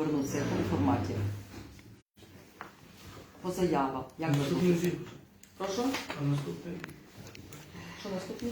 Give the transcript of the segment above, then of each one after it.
повернутися, в якому форматі? По заявах. Як ви думаєте? Прошу? Що наступне?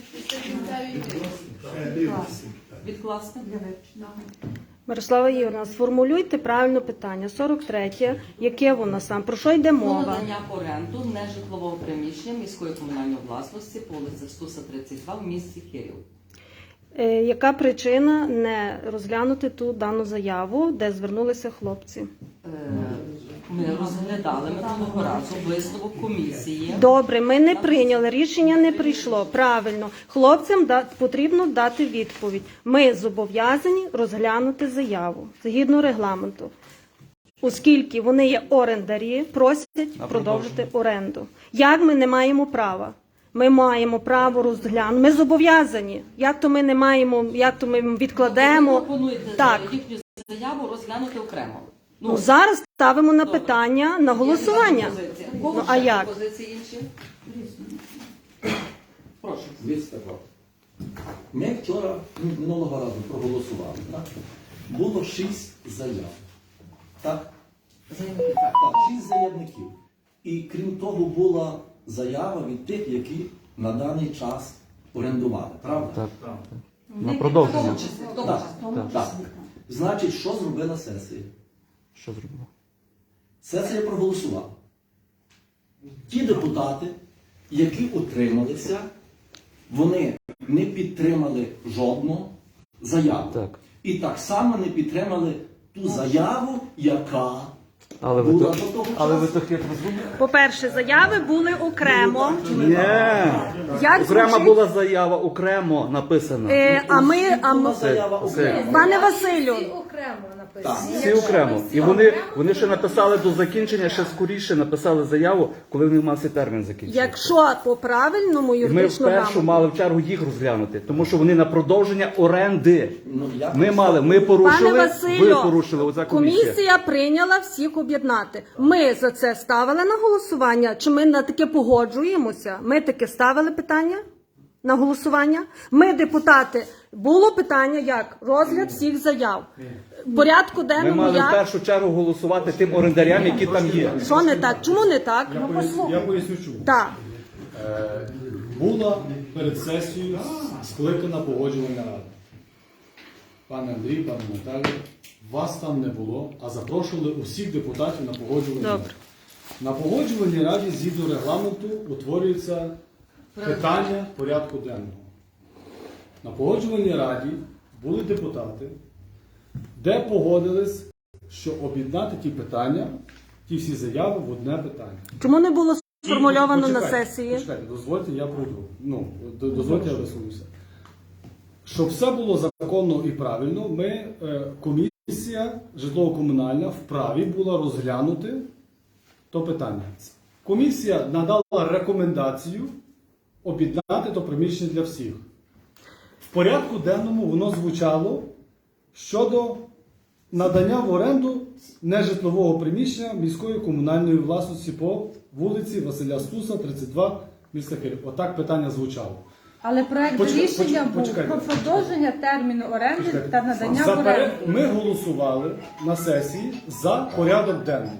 Відкласти? Мирослава Ігорівна, сформулюйте правильно питання. 43-є. Яке воно сам? Про що йде Про мова? надання в оренду нежитлового приміщення міської комунальної власності по вулиці Стуса, 32 в місті Київ. Яка причина не розглянути ту дану заяву, де звернулися хлопці? Ми розглядали минулого разу висновок комісії. Добре, ми не прийняли, рішення не прийшло. Правильно. Хлопцям потрібно дати відповідь. Ми зобов'язані розглянути заяву, згідно регламенту. Оскільки вони є орендарі, просять продовжити оренду. Як ми не маємо права? Ми маємо право розглянути. Ми зобов'язані. Як то ми не маємо, як то ми відкладемо. Ви пропонуєте Так. їхню заяву розглянути окремо. Ну, зараз ставимо на питання, на голосування. Ну, а як? Позиції інші? Прошу. Дивіться, ми вчора минулого разу проголосували. Так? Було 6 заяв. Так? Заявники, Так, 6 заявників. І крім того, була заява від тих, які на даний час орендували. Правда? Так. На продовження. Так. Так. Значить, що зробила сесія? Що зробимо? Сесія проголосувала. Ті депутати, які утрималися, вони не підтримали жодну заяву. Так. І так само не підтримали ту заяву, яка Але була ви до того то часу. хитро зробили? По-перше, заяви були окремо. Ні. Як Окрема звучить? була заява, окремо написана. А ми, Була заява окремо. пане Василю, Так. Всі окремо. І вони ще написали до закінчення, ще скоріше написали заяву, коли вони мав цей термін закінчити. якщо по правильному І ми юридичному вперше грамотному, мали в чергу їх розглянути, тому що вони на продовження оренди. Ну, я Ми порушили, пане ви Василю, порушили, оця комісія. комісія прийняла всіх об'єднати. Ми за це ставили на голосування, чи ми на таке погоджуємося? Ми таке ставили питання на голосування? Ми, депутати, було питання як? Розгляд всіх заяв. В порядку Ми денному мали в як? першу чергу голосувати тим орендарям, які там є. Що не так? Чому не так? Я поясню чому. Так. Була перед сесією скликана погоджувальна рада. Пане Андрій, пане Наталі, вас там не було, а запрошували усіх депутатів на погоджувальну раду. Добре. На погоджувальній раді згідно регламенту утворюється питання порядку денного. На погоджувальній раді були депутати, де погодились, що об'єднати ті питання, ті всі заяви в одне питання. Чому не було сформульовано на Почекайте, сесії? Почекайте, дозвольте, я пройду. Дозвольте, я висловлюся. Щоб все було законно і правильно, комісія житлово-комунальна вправі була розглянути то питання. Комісія надала рекомендацію об'єднати то приміщення для всіх. В порядку денному воно звучало щодо надання в оренду нежитлового приміщення міської комунальної власності по вулиці Василя Стуса, 32, міста Київ. Отак питання звучало. Але проект рішення був про продовження терміну оренди та надання в оренду. Ми голосували на сесії за порядок денний.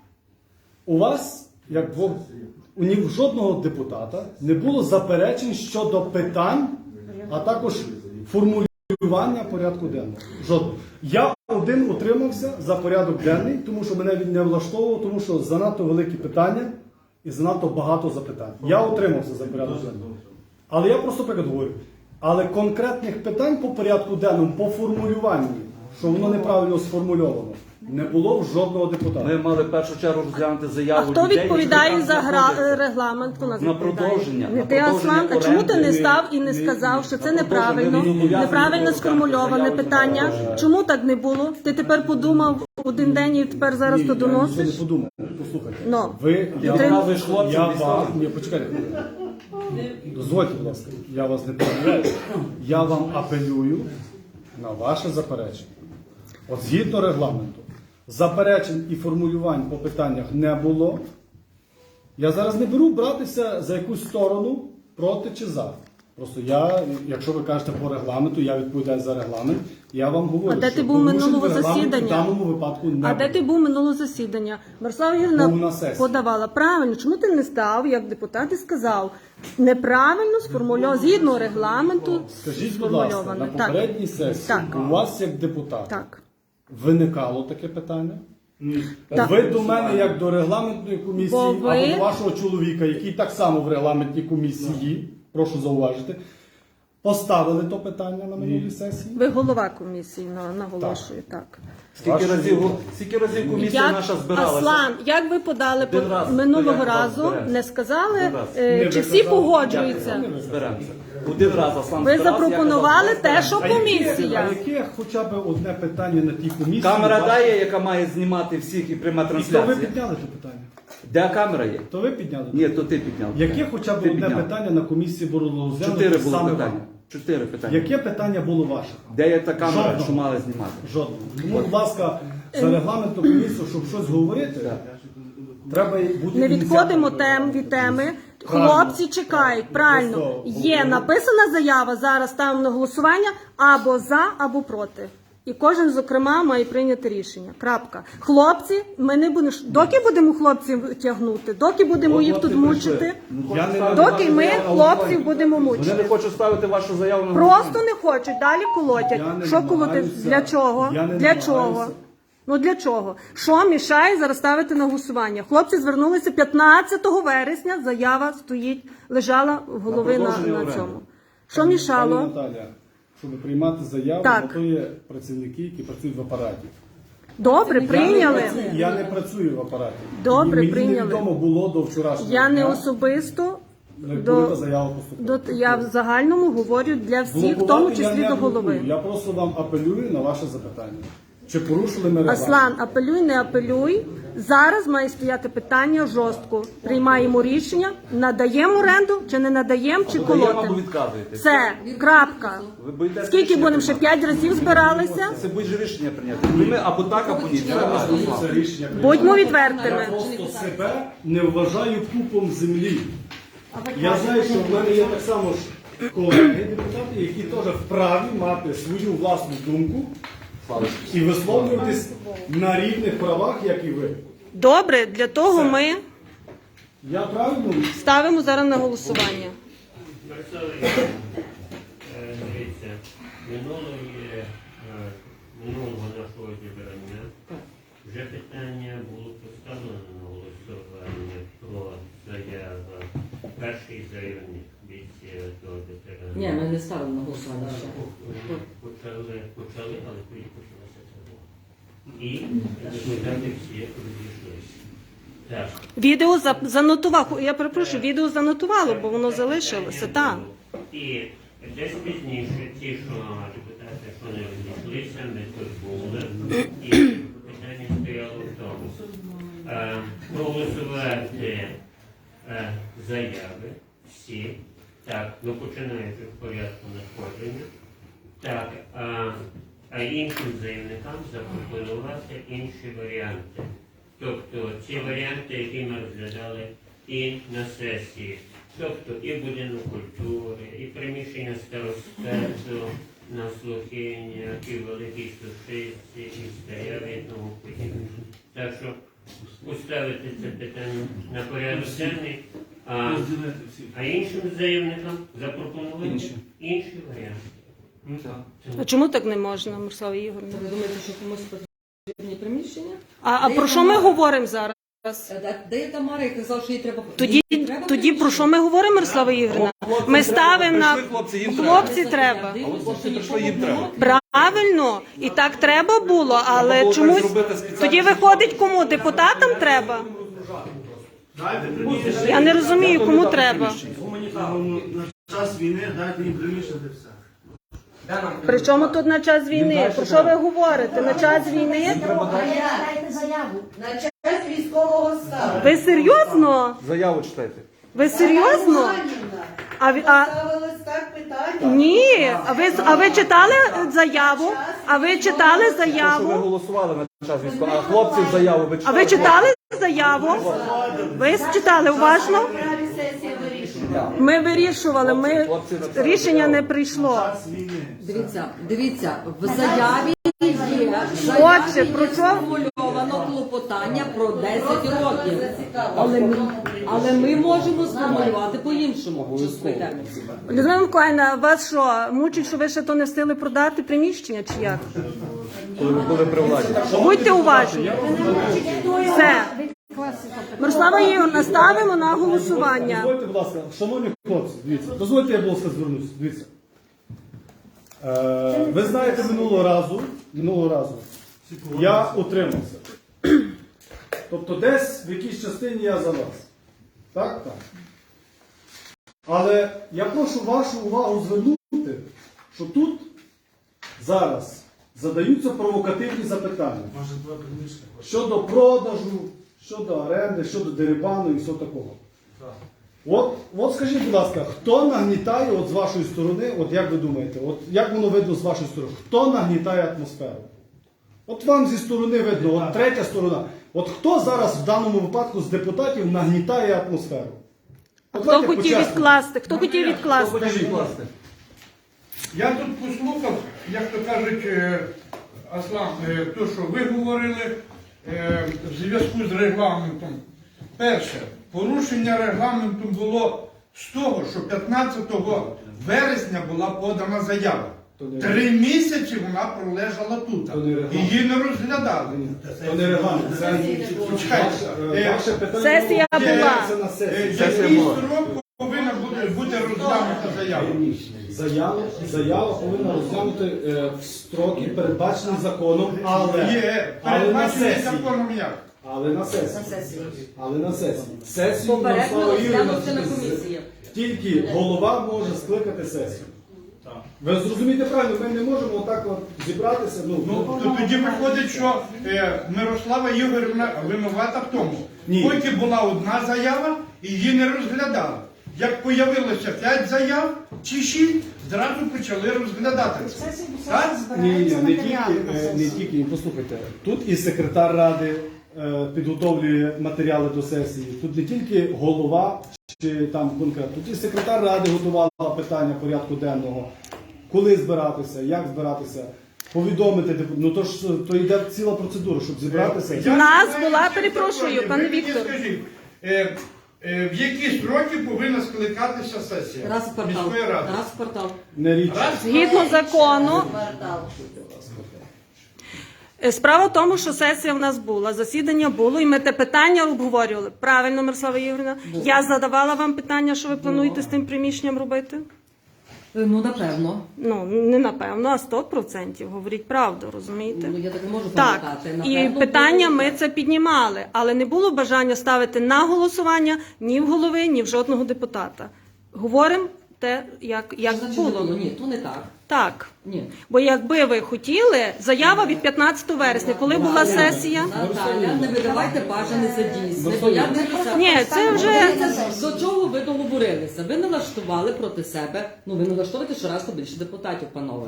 У вас, як у жодного депутата, не було заперечень щодо питань, а також формулювання порядку денного. Жодного. Я один утримався за порядок денний, тому що мене він не влаштовував, тому що занадто великі питання і занадто багато запитань. Я утримався за порядок денний. Але я просто приклад говорю. Але конкретних питань по порядку денному, по формулюванню, що воно неправильно сформульовано, не було в жодного депутата. Ми мали в першу чергу розглянути А заяву хто людей, відповідає які за там знаходяться. регламент? Хто нас На відповідає? продовження, Не на ти, Аслан. А чому ти не оренди. став і не сказав, що це неправильно, продовження. неправильно сформульоване Заяву питання? не Чому так не було? Ти тепер подумав один день і тепер зараз то Я нічого доносиш? не подумав. Послухайте. Ну, Я Вказуєш хлопцям, я дістали. вам... Ні, почекайте. Дозвольте, будь ласка. Я вас не перебиваю. Я вам апелюю на ваше заперечення. От згідно регламенту, заперечень і формулювань по питаннях не було. Я зараз не беру братися за якусь сторону проти чи за. Просто я, якщо ви кажете по регламенту, я відповідаю за регламент. Я вам говорю, А де що ти був порушень минулого регламенту засідання? в даному випадку не А де ти був минулого засідання? Мирослава Ігорівна Був на сесії. подавала. Правильно. Чому ти не став, як депутат, і сказав? Неправильно сформульовано, згідно регламенту Скажіть, будь ласка, на сформульовано. попередній сесії Так. у вас як депутат Так. виникало таке питання? Так. Ви до мене, як до регламентної комісії, Бо ви- або до вашого чоловіка, який так само в регламентній комісії, прошу зауважити, поставили то питання на минулій сесії? Ви голова комісії, наголошую, так. Скільки разів комісія наша збиралася? Аслан, як ви подали Один раз минулого порядок разу, зберемося. не сказали, Один раз. Не чи ви всі казали. погоджуються? Зберемося. Один раз Аслан Ви збирався, запропонували я казав, те, що А яке комісія. хоча б одне питання на тій комісії? Камера ваше? дає, яка має знімати всіх і приймати І то ви трансляцію. підняли це питання? Де камера є? То ви підняли? Ні, то ти підняв. Яке хоча б Ти одне підняв. питання на комісії було розглянуто 4 було саме питання. вам? 4 питання. Яке питання було ваше? Де є та камера, Жодного. що мали знімати? Жодного. Тому, будь ласка, за регламентну комісію, щоб щось говорити, треба бути Не відходимо ініціатором. від теми. Правильно. Хлопці чекають. Правильно. Просто Є написана заява, зараз ставимо на голосування або за, або проти. І кожен, зокрема, має прийняти рішення. Крапка. Хлопці, ми не будемо. Доки будемо хлопців тягнути, доки будемо їх тут мучити, Я не доки ми я хлопців будемо Вони мучити. не хочуть ставити вашу заяву на Просто не хочуть, далі колотять. Я не Що колотять? намагаюся. Для чого? Я не Для чого? намагаюся. Ну для чого? Що мішає зараз ставити на голосування? Хлопці звернулися 15 вересня, заява стоїть, лежала в голови на продовження оренди. цьому. Що Пані мішало? Наталя, щоб приймати заяву, Так. на то є працівники, які працюють в апараті. Добре, прийняли. Я не працюю в апараті. Добре, Мені прийняли. невідомо було до вчорашнього Я не дня, особисто як буде та до, заява поступила. я в загальному говорю для всіх, в тому Блокувати я числі не до голови. блокую. Я просто вам апелюю на ваше запитання. Чи порушили ми регламент? Аслан, апелюй, не апелюй. Зараз має стояти питання жорстко. Приймаємо рішення, надаємо оренду, чи не надаємо, чи Додаємо або колотимо. відказуєте. Все, крапка. Ви боїтеся Скільки рішення будемо ще прийняти? 5 разів збиралися? Це будь-же рішення прийняти. Ми або так, або ні. Це рішення прийняття. Будьмо Я відвертими. просто себе не вважаю пупом землі. Я знаю, що в мене є так само ж колеги депутати, які теж вправі мати свою власну думку і висловлюватись на рівних правах, як і ви. Добре, для того ми Я правильно? ставимо зараз на голосування. Дивіться, минулого нашого зібрання вже питання було поставлено на голосування про заяву. Перший заявник від того ветерана. Ні, ми не ставили на голосування ще. Почали, але тоді почалася тривога. І депутати всі розійшлися. Так. Відео занотував. Я перепрошую, відео занотувало, бо воно залишилося. Так. І десь пізніше ті, що депутати, що не розійшлися, ми тут були. І питання стояло в тому. Проголосувати заяви всі, так, ну починаючи в порядку надходження, так, а іншим заявникам запропонувати інші варіанти. Тобто ці варіанти, які ми розглядали і на сесії, тобто і будинок культури, і приміщення старостату на Слухині, і в Великій Сушиці, і Старяві, і тому подібне. Так що поставити це питання на порядок денний, а іншим заявникам запропонувати інші варіанти. А чому так не можна, Мирослава Ігорівна? Ви думаєте, що комусь потрібні приміщення? А про що ми говоримо зараз? Де є Тамара, яка казав, що їй треба... Тоді про що ми говоримо, Мирослава Ігорівна? Ми ставимо на Прийшли хлопці, їм треба. хлопці треба. А от хлопці прийшли, їм треба. Правильно, і так треба було, але було чомусь так зробити спеціально. тоді виходить кому? Депутатам треба? Я не розумію, кому треба. Гуманітарному на час війни дайте їм приміщення все. Причому тут на час війни? Про що ви говорите? На час війни? Дайте заяву на час військового стану. Ви серйозно? Заяву читайте. Ви серйозно? А Ставилось так питання. ні, а ви читали заяву? А ви читали Що ви заяву? голосували на час військового, а хлопців заяву ви А ви читали? читали заяву? Ви читали уважно? Сесія вирішує. Ми вирішували, Хлопці написали рішення заяву. не прийшло. Час війни. Дивіться, в заяві є Отже, про що? сформульовано клопотання про 10 років. Але ми можемо сформулювати по-іншому. Часовий термін. Людмила Миколаївна, вас що, мучить, що ви ще то не встигли продати приміщення, чи як? Коли ви були при владі. Будьте уважні. Все. Мирослава Ігорівна, ставимо на голосування. Дозвольте, будь ласка, шановні хлопці, дивіться, дозвольте, я, будь ласка, звернуся. Дивіться. Ви знаєте, минулого разу я утримався. Тобто десь в якійсь частині я за вас. Так? Так. Але я прошу вашу увагу звернути, що тут зараз задаються провокативні запитання. Щодо продажу, щодо оренди, щодо дерибану і все такого. От скажіть, будь ласка, хто нагнітає от з вашої сторони, от як ви думаєте, от як воно видно з вашої сторони, хто нагнітає атмосферу? От вам зі сторони видно, от третя сторона. От хто зараз в даному випадку з депутатів нагнітає атмосферу? От Хто давайте хотів по-чесному. відкласти? Хто хотів відкласти? Скажіть, будь ласка. Я тут послухав, як то кажуть, Аслан, то, що ви говорили в зв'язку з регламентом. Перше, порушення регламенту було з того, що 15 вересня була подана заява. 3 місяці вона пролежала тут. Її не розглядали. То не регламент, це ваше питання. Сесія була. Це на сесії. Який строк повинна бути розглянута заява? Заява повинна розглянути в строки, передбачені законом, але на Передбачений сесії. законом як? Але на сесії. Сесію Попередньо Мирослава Ігорівна розглянути на комісії. тільки голова може скликати сесію. Ви зрозумієте правильно, ми не можемо отак от зібратися. То тоді виходить, що Мирослава Ігорівна винувата в тому. Ні. Поки була одна заява, її не розглядали. Як появилося 5 заяв чи 6, зразу почали розглядати це. Так? Ні, не тільки, послухайте. Тут і секретар ради підготовлює матеріали до сесії. Тут не тільки голова чи там конкретно. Тут і секретар ради готувала питання порядку денного. Коли збиратися, як збиратися, повідомити. Ну то йде ціла процедура, щоб зібратися. У нас була, перепрошую, пане Ви мені Віктор. скажіть, в які строки повинна скликатися сесія Раз в квартал. міської ради? Раз в квартал. Не річ. Згідно закону, справа в тому, що сесія в нас була, засідання було, і ми те питання обговорювали. Правильно, Мирослава Ігорівна? Я задавала вам питання, що ви плануєте з тим приміщенням робити? Ну, напевно. Ну, не напевно, а 100%. Говоріть правду, розумієте? Ну, я так не можу Так, пам'ятати. і Напевно, питання було. ми це піднімали, але не було бажання ставити на голосування ні в голови, ні в жодного депутата. Говоримо те, як Що значить не було. було? Ні, то не так. Так. Ні. Бо якби ви хотіли, заява від 15 вересня, коли була сесія. Наталя, не видавайте бажане за дійсне, бо я не писала. Ні, це вже До чого ви договорилися? Ви налаштували проти себе, ну ви налаштовуєте щоразу більше депутатів, панове.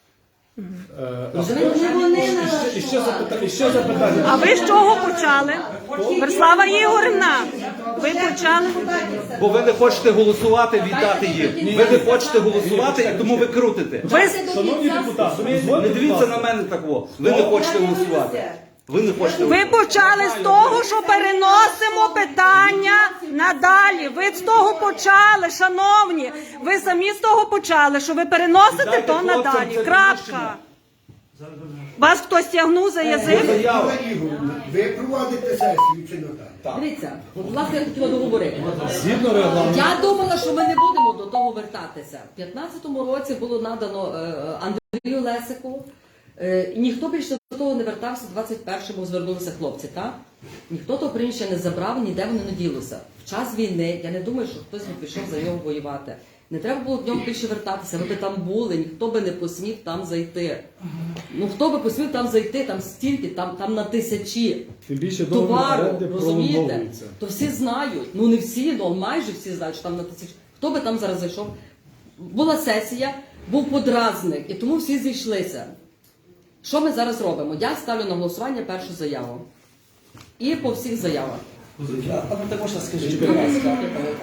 І ще запитання. А ви з чого почали? Мирослава Ігорівна, ви почали? Бо ви не хочете голосувати, віддати їм. Ви не хочете голосувати, і тому ви крутите. Ви Шановні депутати, Не дозвольте, будь дивіться ласка. на мене так. Ви не хочете голосувати. Ви не хочете Ви голосувати. почали з того, що переносимо питання надалі. Ви з того почали, шановні. Ви самі з того почали, що ви переносите Дайте то хлопцям надалі. це Крапка. приміщення. Вас хтось тягнув за язик? Заява. Ви проводите сесію чи не так? Дивіться, власне, я хотіла договорити. Згідно регламенту. Я думала, що ми не будемо до того вертатися. В 15-му році було надано Андрію Лесику. Ніхто більше до того не вертався, в 21-му звернулися хлопці, так? Ніхто того приміщення не забрав, ніде воно не ділося. В час війни, я не думаю, що хтось би пішов за нього воювати. Не треба було в ньому більше вертатися, ви би там були, ніхто би не посмів там зайти. Ну хто би посмів там зайти, там стільки, там на тисячі Тим більше договір товару, оренди розумієте? пролонговується. То всі знають, ну не всі, ну майже всі знають, що там на тисячі. Хто би там зараз зайшов? Була сесія, був подразник, і тому всі зійшлися. Що ми зараз робимо? Я ставлю на голосування першу заяву. І по всіх заявах. А ну також скажіть, будь ласка,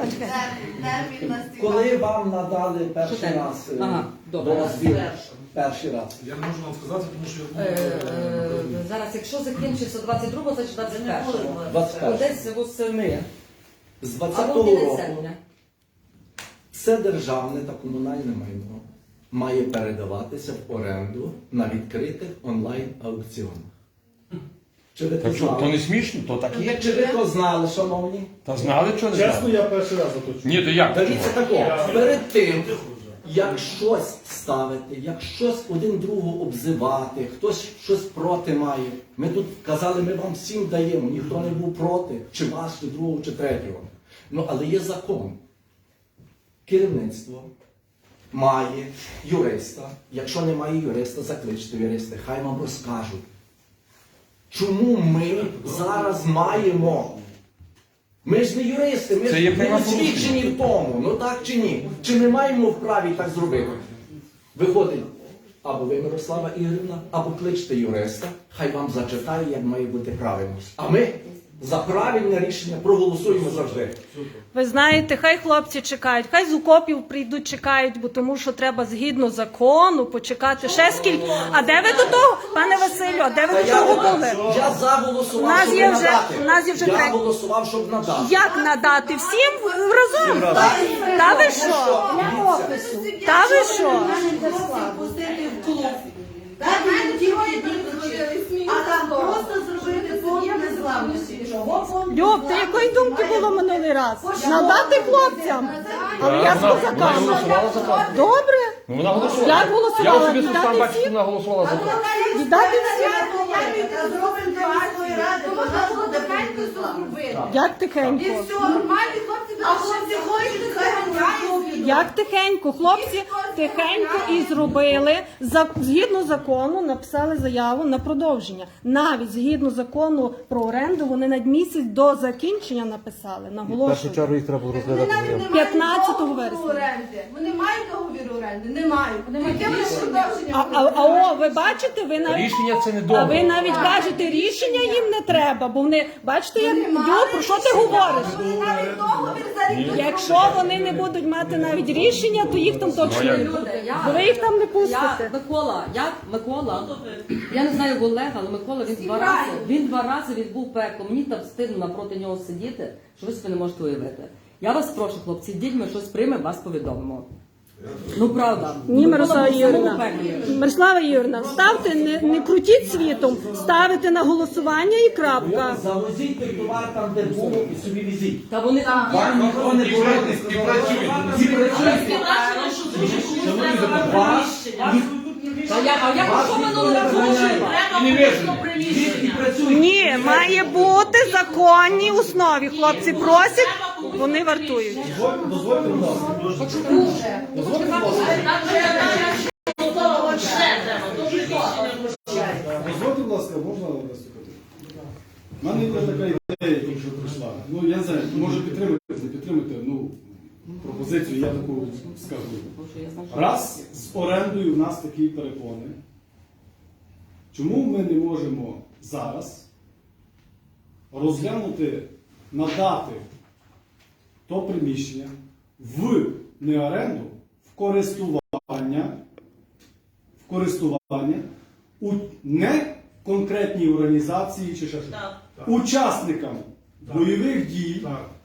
коли вам надали перший Що тебе? раз Ага, добре. дозвіл? Перший раз. Я не можу вам сказати, тому що я Зараз, якщо закінчиться 22-го, значить 21-го. 21-го. Десь восени. З Або 20-го кінець року серпня. все державне та комунальне майно має передаватися в оренду на відкритих онлайн-аукціонах. Чи ви то То знали? не смішно, то так і є. Чи ви то знали, шановні? Та знали, що не Чесно, знали? я перший раз заточу. Ні, то як? Дивіться тако, перед тим, як щось ставити, як щось один другого обзивати, хтось щось проти має. Ми тут казали, ми вам всім даємо, ніхто не був проти, чи вас, чи другого, чи третього. Ну, але є закон. Керівництво має юриста. Якщо немає юриста, закличте юриста, хай вам розкажуть. Чому ми зараз маємо? Ми ж не юристи, ми Це ж є не правопорушення. освічені в тому. Ну так чи ні? Чи ми маємо вправі так зробити? Виходить, або ви, Мирослава Ігорівна, або кличте юриста, хай вам зачитає, як має бути правильно. А ми за правильне рішення проголосуємо завжди. Ви знаєте, хай хлопці чекають, хай з окопів прийдуть, чекають, бо тому що треба згідно закону почекати ще скільки. А де ви до того, пане Василю, а де ви Та до того були? я заголосував, У нас щоб є вже- надати. у нас є вже я третій. голосував, щоб надати. Як надати? Всім разом? Та ви що? Та ви що? Пустити в клуб. Дати їм тільки а там просто зробити фонд незламності. Чого фонд Люб, ти якої думки було минулий раз? Надати хлопцям? Але я з Вона козаками. голосувала за то. Добре? Ну, вона голосувала. Як голосувала? Я особисто сам Віддати бачу, що всім? вона голосувала за то. Віддати всім? зробимо для міської ради, вона було тихенько зробити. Як І тихенько? все, нормальні хлопці, а хлопці хочуть, хай грають. Як тихенько? Хлопці тихенько і зробили. Згідно закону написали заяву на продовження. Навіть згідно закону про оренду вони на місяць до закінчення написали. В Наголошую. першу чергу їх треба Вони розглядати. навіть заяву. не мають 15 договору вересня. оренди. Вони мають договір оренди? Не мають. Яке вони продовження? А ви бачите, ви навіть Рішення це не а добре. ви навіть кажете, рішення їм не треба, бо вони бачите, як Дю, про що ти говориш? Вони навіть договір за рік. Якщо вони не будуть мати навіть рішення, то їх там точно не буде. Люди, Бо ви їх там не Я, пустите. Микола, я не знаю Олега, але Микола, він два рази відбув пекло. Мені там стидно напроти нього сидіти, що ви собі не можете уявити. Я вас прошу, хлопці, йдіть, ми щось приймемо, вас повідомимо. Ну, правда. Ні, Микола Мирослава був в самому Юрівна. пеклі. Мирослава Юрівна, ставте, не крутіть світом, ставите на голосування і крапка. Завозіть той товар там, де було, і собі візіть. Та вони там є. Вам ніхто не болить. І працюють. А я що минулого разу? І працюють. Ні, має бути законній основі. Хлопці просять, вони вартують. Дозвольте, будь ласка. Дозвольте, будь ласка. Дозвольте, будь ласка, можна виступити? У мене є така ідея, яка вже прийшла. Ну, я не знаю, може підтримати, не підтримати, ну, пропозицію, я таку скажу. Раз з орендою в нас такі перепони, чому ми не можемо зараз розглянути, надати то приміщення в не оренду, в користування у не конкретній організації чи ще щось. Учасникам бойових дій,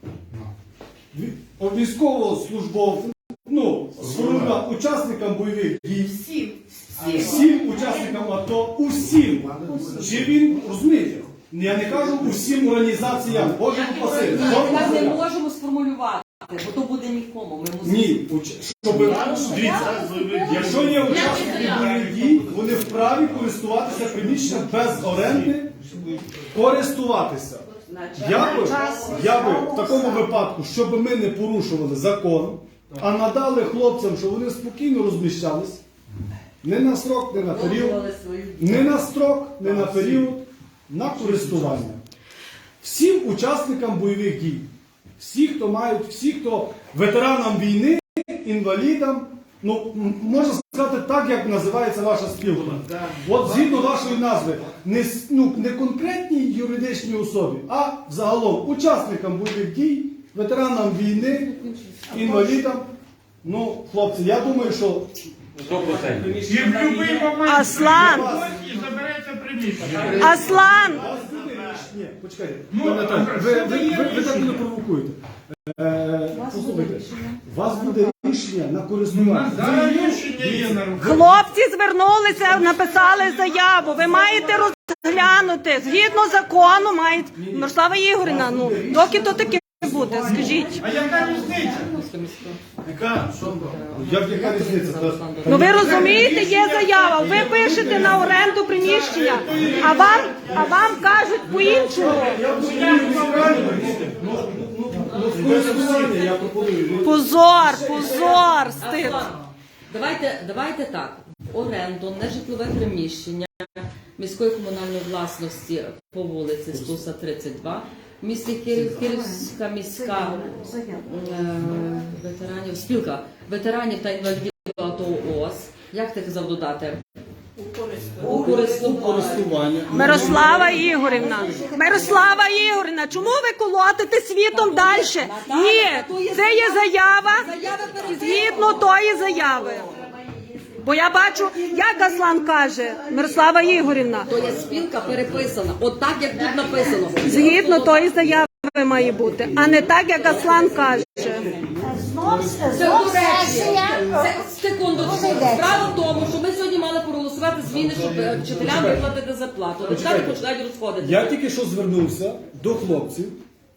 військовослужбовцям, ну, учасникам бойових дій, всім учасникам АТО, усім. Чи він, розумієте, я не кажу усім організаціям, Боже упаси. Ми не можемо сформулювати, бо то буде нікому. Ми мусимо... Ні, щоб, дивіться, якщо є учасники бойових дій, вони вправі користуватися приміщенням без оренди, користуватися. Я би в такому випадку, щоб ми не порушували закон, а надали хлопцям, щоб вони спокійно розміщались, не на строк, не на період, не на строк, не на період, на користування. Всім учасникам бойових дій, всі, хто ветеранам війни, інвалідам, ну, можна сказати так, як називається ваша спілка. От згідно вашої назви, не конкретній юридичній особі, а загалом учасникам бойових дій, ветеранам війни, інвалідам. Ну, хлопці, я думаю, що І в будь-який момент Аслан! і забереться приміщення. Аслан! Ні, почекайте. Пане Наталю, ви так не провокуєте. Послухайте, у вас буде рішення на користування. Зараз рішення є на руках. Хлопці звернулися, написали заяву. Ви маєте розглянути. Згідно закону мають... Мирослава Ігорівна, ну, доки то таке буде, скажіть. А яка різниця? Яка різниця? Ну ви розумієте, є заява. Ви пишете на оренду приміщення, а вам кажуть по-іншому. Я пропоную. Позор, стид. Давайте так. Оренду, нежитлове приміщення міської комунальної власності по вулиці Стуса 32, в місті Київ, Київська міська ветеранів, спілка ветеранів та інвалідів АТО ООС. Як ти казав додати? У користування. Мирослава Ігорівна, чому ви колотите світом далі? Ні, це є заява згідно тої заяви. Бо я бачу, як Аслан каже, Мирослава Ігорівна, То є спілка переписана, от так, як тут написано. згідно тої заяви має бути, а не так, як Аслан каже. Секундочку. Справа в тому, що ми сьогодні мали проголосувати зміни, щоб вчителям виплатити зарплату. Депутати починають розходити. Я тільки що звернувся до хлопців.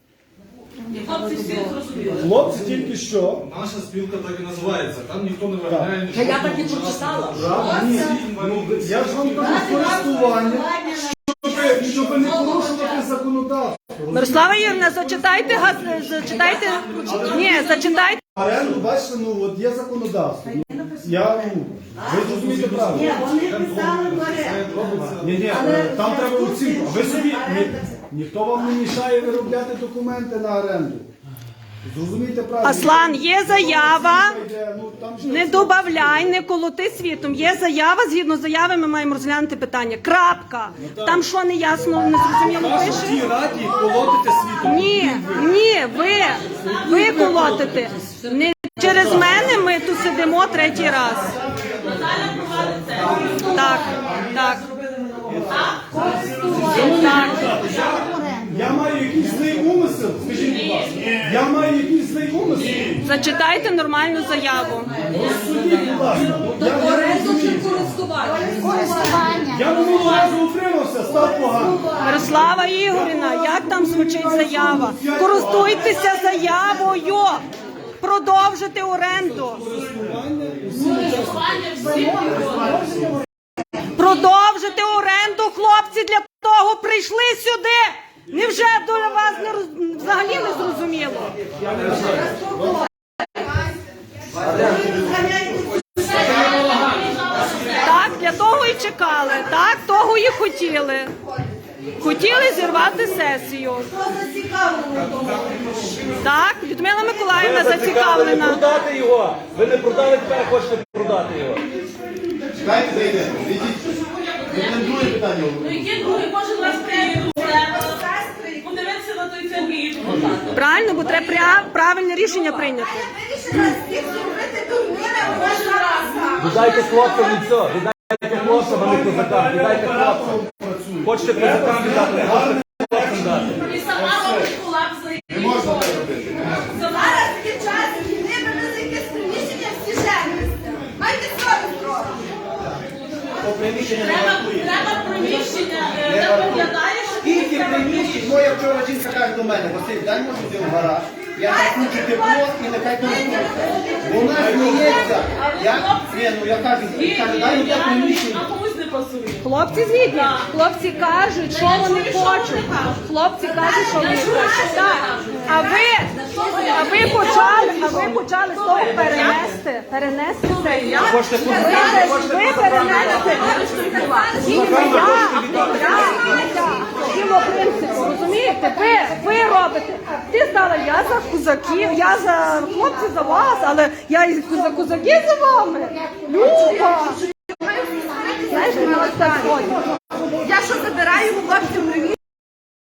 Хлопці тільки що. Наша спілка так і називається. Там ніхто не виглядає Та я так і прочитала. Ні, я ж вам кажу користування, щоб не порушувати законодавство. Мирослава Ігорівна, зачитайте. Оренду, бачите, ну от є законодавство. Ви зрозумієте правильно. Ні, вони писали в оренду. Ні, там треба оцінку. Ви собі, ніхто вам не мішає виробляти документи на оренду. Зрозумійте правильно. Аслан, є заява, Ну, там ж не добавляй, не колоти світом. Є заява, згідно заяви ми маємо розглянути питання. Крапка. Там що не ясно, не зрозуміло в тій пише? раді колотите світом. Ні, ви колотите. Не через мене ми тут сидимо третій раз. Так. Я маю якийсь злий умисел, скажіть, будь ласка. Я маю якийсь злий умисел. Зачитайте нормальну заяву. Розсудіть, будь ласка. Оренду чи користування? Я минулого разу утримався, став погано. Мирослава Ігорівна, як там звучить заява? Користуйтеся заявою. Продовжити оренду. Продовжити оренду, хлопці, для того прийшли сюди. Невже до вас взагалі не зрозуміло? Так, для того і чекали, так, того і хотіли. Хотіли зірвати сесію. Хто зацікавлений в тому? Так, Людмила Миколаївна зацікавлена. Продати його. Ви не продали, тепер хочете продати його. Чекайте, зайдете. Це друге питання. Ну яке друге? Кожен раз приїду подивитися на той цей. Правильно, бо треба правильне рішення прийняти. Вирішили всіх зробити дурними кожен раз. Віддайте хлопцям і все. Віддайте хлопцям, а не козакам. Віддайте хлопцям. Хочете козакам віддати, хочете хлопцям дати. І сама робить колапс. Не можна так робити. Зараз такі час, війни, ми за якесь приміщення всі женимося. Майте совість трохи. Треба приміщення, де виглядає, що Скільки приміщень, моя вчора жінка каже до мене, Василь, дай може йти в гараж, я включу тепло і нехай користується. Вона сміється, я кажу, дай мені приміщення. а комусь не пасує. Хлопці згідні. Хлопці кажуть, що вони хочуть. Хлопці кажуть, що вони хочуть. Так. А ви почали з того перенести це. Хочете Ви перенести. Ні, не я. діло принципу, розумієте? Ви робите. Ти стала, я за козаків, я за хлопців за вас, але я і за козаків за вами. Люба! Знаєш, ми ось так ходимо. Я що забираю хлопців